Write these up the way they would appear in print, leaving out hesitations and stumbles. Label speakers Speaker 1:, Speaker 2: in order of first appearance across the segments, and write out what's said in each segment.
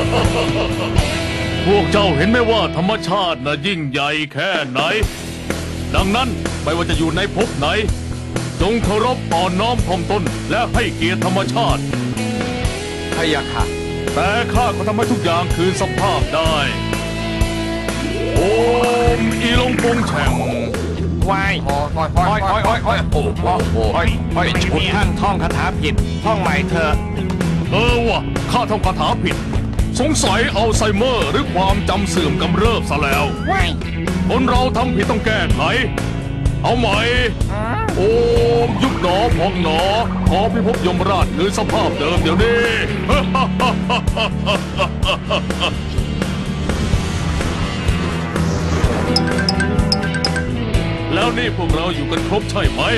Speaker 1: พวกเจ้าเห็นไหมว่าธรรมชาติน่ะยิ่งใหญ่แค่ไหนดังนั้นไม่ว่าจะอยู่ในภพไหนจงเคารพอ่อนน้อมถ่อมตนและให้เกียรติธรรมชาติ
Speaker 2: พะยะค่ะ
Speaker 1: แต่ข้าก็ทำให้ทุกอย่างคืนสภาพได้โอมอีลงปงแฉ่ง
Speaker 2: วายโอ้ชุดท่านท่องคาถาผิดท่องใหม่เถอะ
Speaker 1: วะข้าท่องคาถาผิดสงสัยอัลไซเมอร์หรือความจำเสื่อมกำเริบซะแล้วคนเราทำผิดต้องแก้ไขเอาใหม่โอมยุบหนอพองหนอขอพิภพยมราชคืนสภาพเดิมเดี๋ยวนี้แล้วนี่พวกเราอยู่กันครบใช่ไหม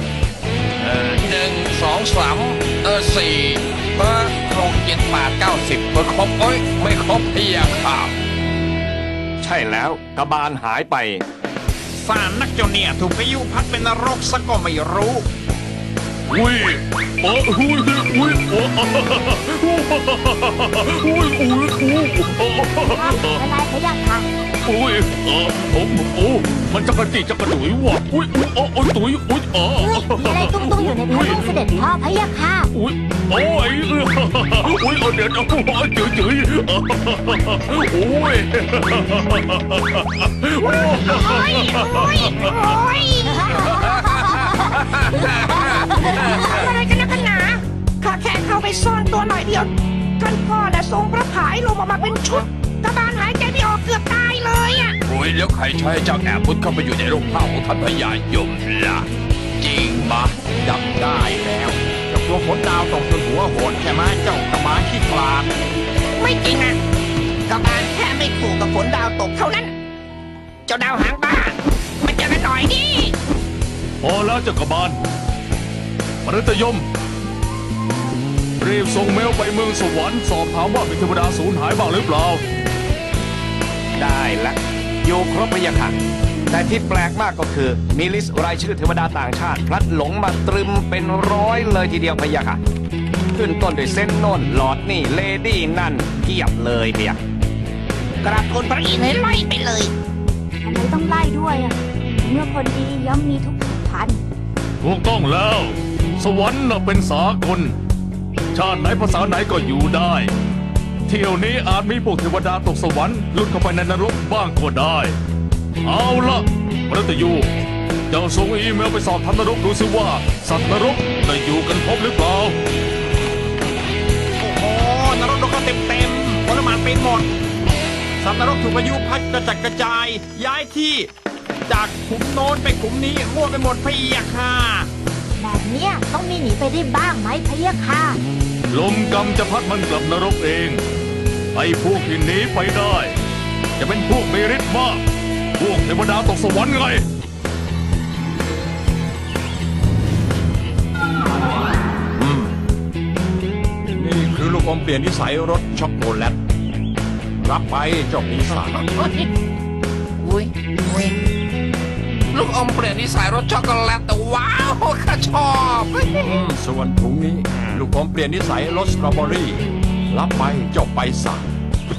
Speaker 2: 1 2 3 4 6 7 8 9 10ครบไม่ครบพี่อะครับใช่แล้วกบาลหายไป
Speaker 3: สารนักเจ้าเนี่ยถูกพายุพัดเป็นนรกซะก็ไม่รู้
Speaker 1: อุ้ยอุ้ยอุ้ย
Speaker 4: อะไรพยักค่ะ
Speaker 1: อุ้ยมันจะกระจิจักระดุยว่ะอุ้ยตุ๋ยอุ้ย
Speaker 4: มีอะไรตุ้งๆอยู่ในพระลูกเสด็จพ่อพยักค่ะ
Speaker 1: อุ้ยโอ้ยอุ้ยเดี๋ยวจืดโอ้ย
Speaker 5: อะไรกันนะกันหนาข้าแค่เข้าไปซ่อนตัวหน่อยเดียวท่านพ่อน่ะทรงพระผายลงออกมาเป็นชุดกบาลหายใจไม่ออกเกือบตายเลยอ่ะ
Speaker 2: โอ้ยแล้วใครใช้เจ้าแอบมุดเข้าไปอยู่ในโรงผ้าของท่านพญายมล่ะจริงปะ
Speaker 3: จับได้แล้วเจ้าตัวฝนดาวตกจนหัวโหดใช่ไหมเจ้ากบาลขี้กลาด
Speaker 5: ไม่จริงอ่ะกบาลแค่ไม่ขู่กับฝนดาวตกเท่านั้นเจ้าดาวหางบ้ามาเจอกันหน่อยดิ
Speaker 1: พอแล้วเจ้ากบาลมฤตยมรีบส่งเมลไปเมืองสวรรค์สอบถามว่ามีเทวดาสูญหายบ้างหรือเปล่า
Speaker 2: ได้ละอยู่ครบพะยะค่ะแต่ที่แปลกมากก็คือมีลิสต์รายชื่อเทวดาต่างชาติพลัดหลงมาตรึมเป็น100เลยทีเดียวพะยะค่ะขึ้นต้นด้วยเส้นโน่นหลอดนี่เลดี้นั่นเกียบเลยพะยะ
Speaker 5: กราบทูลพระอินทร์ให้ไล่ไปเลย
Speaker 4: ทำไมต้องไล่ด้วยอ่ะเมื่อคนดีย่อมมีทุกพัน
Speaker 1: ถูกต้องแล้วสวรรค์น่ะเป็นสากลชาติไหนภาษาไหนก็อยู่ได้เที่ยวนี้อาจมีพวกเทวดาตกสวรรค์หลุดเข้าไปในนรกบ้างก็ได้เอาละมฤตยูเจ้าส่งอีเมลไปสอบถามนรกดูสิว่าสัตว์นรกได้อยู่กันครบหรือเปล่า
Speaker 3: โอ้โหนรกโดนเต็มผลไม้เป็นหมดสัตว์นรกถูกพายุพัดกระจัดกระจายย้ายที่จากขุมโน้นไปขุมนี้มั่วไปหมดพะยะค่ะ
Speaker 4: แบบเนี้ยต้องมีหนีไปได้บ้างไหมพะยะค่ะ
Speaker 1: ลมกรรมจะพัดมันกลับนรกเองไอ้พวกที่หนีไปได้จะเป็นพวกมีฤทธิ์มากพวกเทวดาตกสวรรค์ไง
Speaker 3: นี่คือลูกอมเปลี่ยนนิสัยรสช็อกโกแลตรับไปเจ้าปีศาจ
Speaker 5: อุ้ยลูกอมเปลี่ยนนิสัยรสช็อกโกแลตแต่ว้าวข้าชอบ
Speaker 3: ส่วนถุงนี้ลูกอมเปลี่ยนนิสัยรสสตรอเบอรี่รับไปเจ้าไปศาจ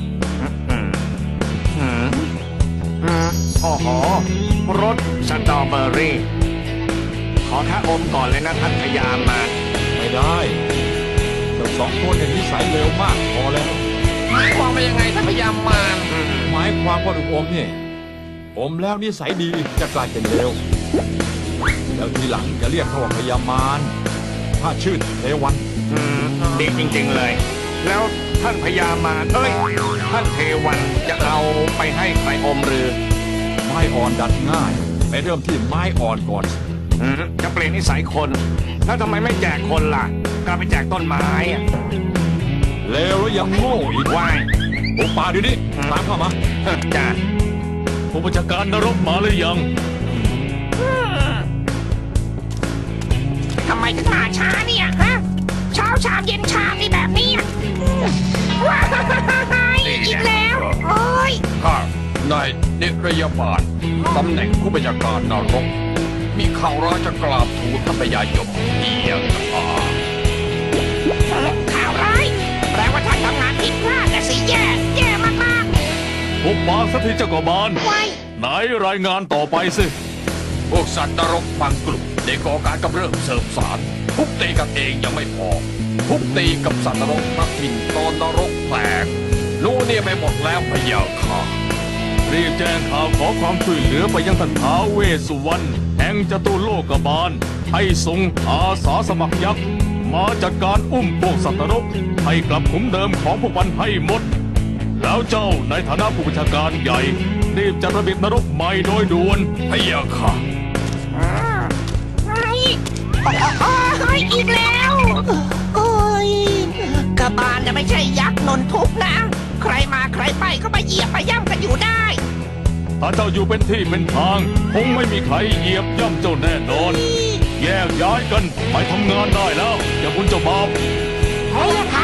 Speaker 2: โอ้โหรสสตรอเบอรี่ขอแค่อมก่อนเลยนะท่านพญามาร
Speaker 3: ไม่ได้เจ้า2 คนเนี่ยนิสัยเร็วมากพอแล้ว
Speaker 5: หมายความว่ายังไงท่านพญามาร
Speaker 3: หมายความว่าลูกอมเนี่ยอมแล้วนิสัยดีจะกลายเป็นเร็วแล้วทีหลังจะเรียกเขาว่าพญามารถ้าชื่อเทวัน
Speaker 2: ดีจริงๆเลยแล้วท่านพญามารท่านเทวันจะเอาไปให้ใครอมหรือ
Speaker 3: ไม้อ่อนดัดง่ายไปเริ่มที่ไม้อ่อนก่อน
Speaker 2: จะเปลี่ยนนิสัยคนแล้วทำไมไม่แจกคนล่ะกลับไปแจกต้นไม้
Speaker 3: เลวแล้วยังโง่อีก
Speaker 2: ว่าย
Speaker 3: ปุ๊บป่าดิดิตามเข้ามา
Speaker 2: จ้า
Speaker 1: ผู้บัญชาการนรกมาหรือยัง
Speaker 5: ทำไมถึงมาช้าเนี่ยฮะเช้าชามเย็นชามนี่แบบนี้ว้ายอีกแล้วโอ้ย
Speaker 2: ข้านายนิรยาบาลตำแหน่งผู้บัญชาการนรกมีข่าวร้ายจะกราบทูลท่านพญายมเพียง
Speaker 5: ข่าวร้ายแปลว่าท่านทำงานผิดพลาดแต่สิแย่
Speaker 1: บานสักทีเจ้ากบาล
Speaker 5: ไว้
Speaker 1: ไหนรายงานต่อไปสิ
Speaker 6: พวกสัตว์นรกบางกลุ่มได้ก่อการกำเริบเสริมสารทุบตีกันเองยังไม่พอทุบตีกับสัตว์นรกพักถิ่นตอนนรกแตกรู้เนี่ยไปหมดแล้วพะยาค่ะ
Speaker 1: รีบแจ้งข่าวขอความช่วยเหลือไปยังท่านท้าวเวสสุวรรณแห่งจตุโลกบาล ให้ส่งอาสาสมัครยักษ์มาจัดการอุ้มพวกสัตว์นรกให้กลับขุมเดิมของพวกมันให้หมด แล้วเจ้าในฐานะผู้บัญชาการใหญ่รีบจัดระเบียบนรกใหม่โดยด่วน
Speaker 6: พะยาค่ะ
Speaker 5: ไอ้อีกแล้วโอ้ยกระบาลจะไม่ใช่ยักษ์นนทุกข์นะ ใครมาใครไปก็มาเหยียบมาย่ำกันอยู่ได้
Speaker 1: ถ้าเจ้าอยู่เป็นที่เป็นทาง คงไม่มีใครเหยียบย่ำเจ้าแน่นอน แยกย้ายกันไปทำงานได้แล้ว อย่าคุณเจ้าบ่าว
Speaker 4: เฮ้ยค่ะ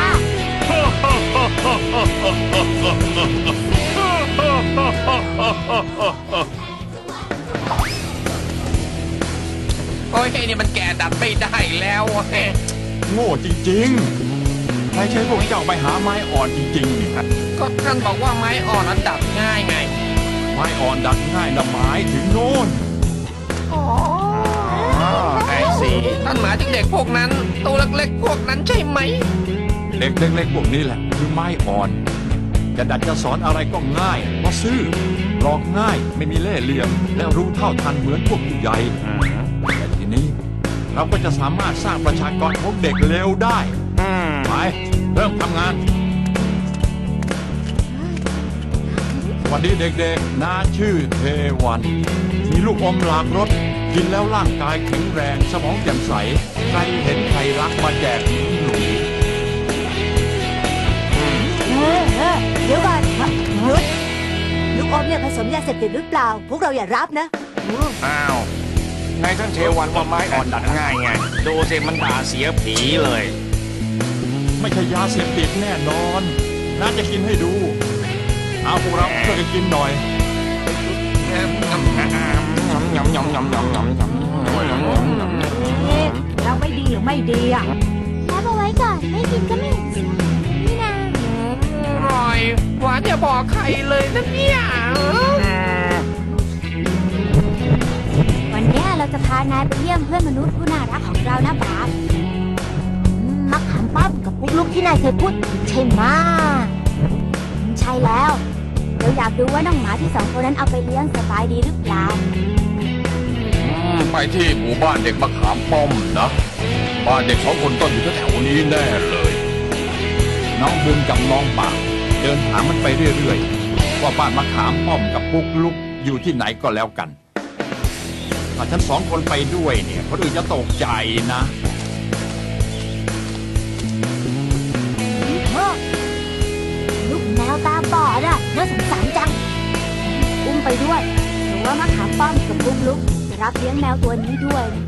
Speaker 6: โอ้ยนี่มันแก่ดัดไม่ได้แล้วเฮ้ย
Speaker 3: โง่จริงๆใครใช้พวกเจ้าไปหาไม้อ่อนจริงๆเนี่ย
Speaker 6: ก็ท่านบอกว่าไม้อ่อนนั้นดัดง่ายไง
Speaker 3: ไม้อ่อนดัดง่ายนะหมายถึงโน่น
Speaker 2: ไอ้สิ
Speaker 6: ท่านหมายถึงเด็กพวกนั้น ตัวเล็กๆพวกนั้นใช่ไหม
Speaker 3: เด็กเล็กๆพวกนี้แหละคือไม้อ่อน จะดัดจะสอนอะไรก็ง่ายเพราะซื่อหลอกง่ายไม่มีเล่ห์เหลี่ยม และรู้เท่าทันเหมือนพวกผู้ใหญ่แต่ทีนี้เราก็จะสามารถสร้างประชากรของเด็กเร็วได้ไปเริ่มทำงาน สวัสดีเด็กๆน้าชื่อเทวัน มีลูกอมหลากรสกินแล้วร่างกายแข็งแรงสมองแจ่มใส ใครเห็นใครรักมาแจกหนุนหนู
Speaker 4: เดี๋ยวก่อนหยุดลูกอมเนี่ยผสมยาเสพติดหรือเปล่า พวกเราอย่ารับนะ
Speaker 2: อ้าวในท่านเทวันว่าไม้อ่อนดัดง่ายไง ดูสิมันด่าเสียผีเลย
Speaker 3: ไม่ใช่ยาเสพติดแน่นอนน้าจะกินให้ดู เอาพวกเราช่วยกันกินหน่อย
Speaker 4: เราไม่ดีหรือไม่ดีอ่ะ
Speaker 5: รับเอาไว้ก่อน ไม่กินก็ไม่เห็นเสียนี่นา
Speaker 6: อร่อย หวานอย่าบอกใครเลยนะเนี่ย
Speaker 4: วันเนี้ยเราจะพานายไปเยี่ยมเพื่อนมนุษย์ผู้น่ารักของเรานะบาสมักขามป้อมกับปุ๊กลุกที่นายเคยพูดถึงใช่ไหมใช่แล้วเราอยากดูว่าน้องหมาที่สองคนนั้นเอาไปเลี้ยงสบายดีหรือเปล่า
Speaker 6: ไปที่หมู่บ้านเด็กมะขามป้อมนะ บ้านเด็กสองคนต้องอยู่แถวๆนี้แน่เลย
Speaker 3: น้องบุญกับน้องปากเดินถามมันไปเรื่อยๆว่าบ้านมะขามป้อมกับปุ๊กลุกอยู่ที่ไหนก็แล้วกันถ้าฉันสองคนไปด้วยเนี่ยคนอื่นจะตกใจนะ
Speaker 4: ลูกแมวตาบอดอ่ะน่าสงสารจัง อุ้มไปด้วยหรือว่ามะขามป้อมกับปุ๊กลุกจะรับเลี้ยงแมวตัวนี้ด้วยนะ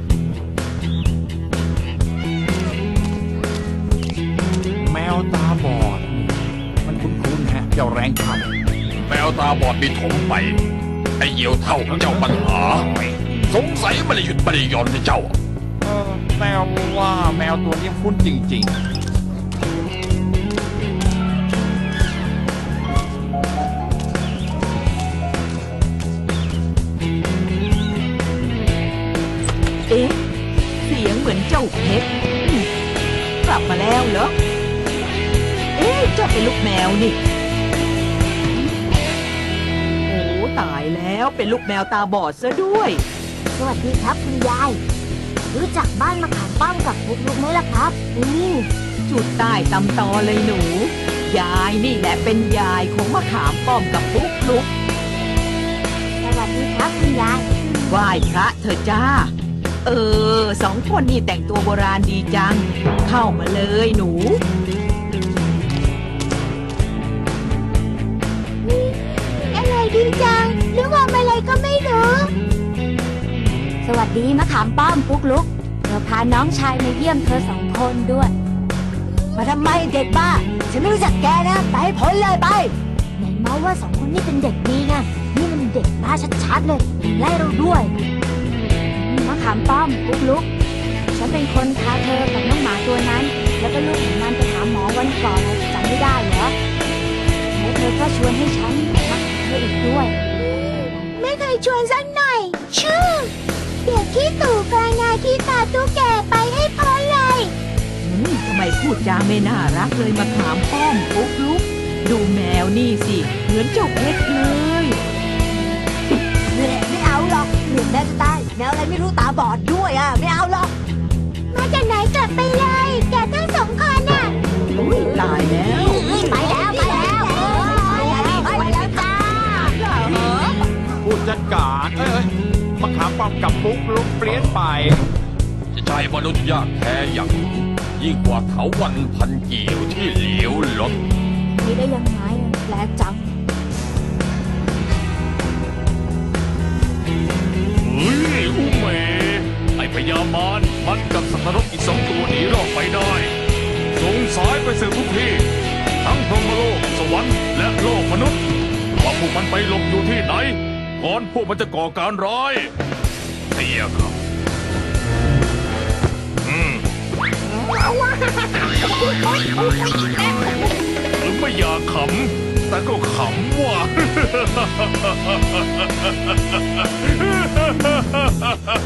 Speaker 3: แมวตาบอด มันคุ้นๆฮะเจ้าแรงขับ
Speaker 6: แมวตาบอดมีถมไป ไอ้เหี่ยวเท่าเจ้าปัญหา สงสัยไม่ได้หยุดไม่ได้หย่อนให้เจ้า
Speaker 3: แมวว่าแมวตัวนี้คุ้นจริงๆ
Speaker 7: เอ๊ะ เสียงเหมือนเจ้าเพชรกลับมาแล้วเหรอ เอ๊ะเจ้าเป็นลูกแมวนี่ โอ้ตายแล้วเป็นลูกแมวตาบอดซะด้วย
Speaker 4: สวัสดีครับคุณยาย รู้จักบ้านมะขามป้อมกับปุ๊กลุกไหมล่ะครับ
Speaker 7: จุดใต้ตำตอเลยหนู ยายนี่แหละเป็นยายของมะขามป้อมกับปุ๊กลุก
Speaker 4: สวัสดีครับคุณยาย
Speaker 7: ไหว้พระเถอะจ้า สองคนนี่แต่งตัวโบราณดีจัง เข้ามาเลยหนู
Speaker 4: อะไรดีจังหรือว่าอะไรก็ไม่รู้ สวัสดีมะขามป้อมปุ๊กลุกเราพาน้องชายมาเยี่ยมเธอสองคนด้วย มาทำไมเด็กบ้า ฉันไม่รู้จักแกนะ ไปให้พ้นเลยไปไหนเมาว่าสองคนนี้เป็นเด็กดีไงนี่มันเด็กบ้าชัดๆเลยไล่เราด้วยมะขามป้อมปุ๊กลุกฉันเป็นคนพาเธอกับน้องหมาตัวนั้น แล้วก็ลูกของมันไปหาหมอวันก่อนจำไม่ได้เหรอแล้วเธอก็ชวนให้ฉันรักเธออีกชวนสักหน่อย ชื่อเด็กขี้ตู่กานาขี้ตาตุ๊กแกไปให้พ้นเลย
Speaker 7: ทำไมพูดจาไม่น่ารักเลยมาถามป้อมปุ๊กลุก ดูแมวนี่สิ เหมือนเจ้าเพชรเลย
Speaker 4: ไม่เอาหรอกเหมือนแม่จะตายแมวอะไรไม่รู้ตาบอดด้วยอ่ะไม่เอาหรอก มาจากไหนกลับไปเลยแกทั้งสองคนน่ะ
Speaker 7: อุ้ยตายแล้ว
Speaker 4: ไปแล้วไปแล้วจ้า
Speaker 3: ผู้จัดการมะขามป้อมกับปุ๊กลุกเปลี่ยนไป
Speaker 6: จะใช้มนุษย์ยากแท้อย่างยิ่งกว่าเถาวัลย์พันเกี่ยวที่เหลวหลด
Speaker 4: นี่ได้ยังไงแปลกจัง
Speaker 1: เฮ้ยอุเมไอพญามารมันกับสัตว์นรกอีก2 ตัวหนีรอดไปได้ส่งสายไปสืบทุกที่ทั้งพรหมโลกสวรรค์และโลกมนุษย์ว่าพวกมันไปหลบอยู่ที่ไหนก่อนพวกมันจะก่อการร้ายเตียครับหรือไม่อยากขำแต่ก็ขำว่ะ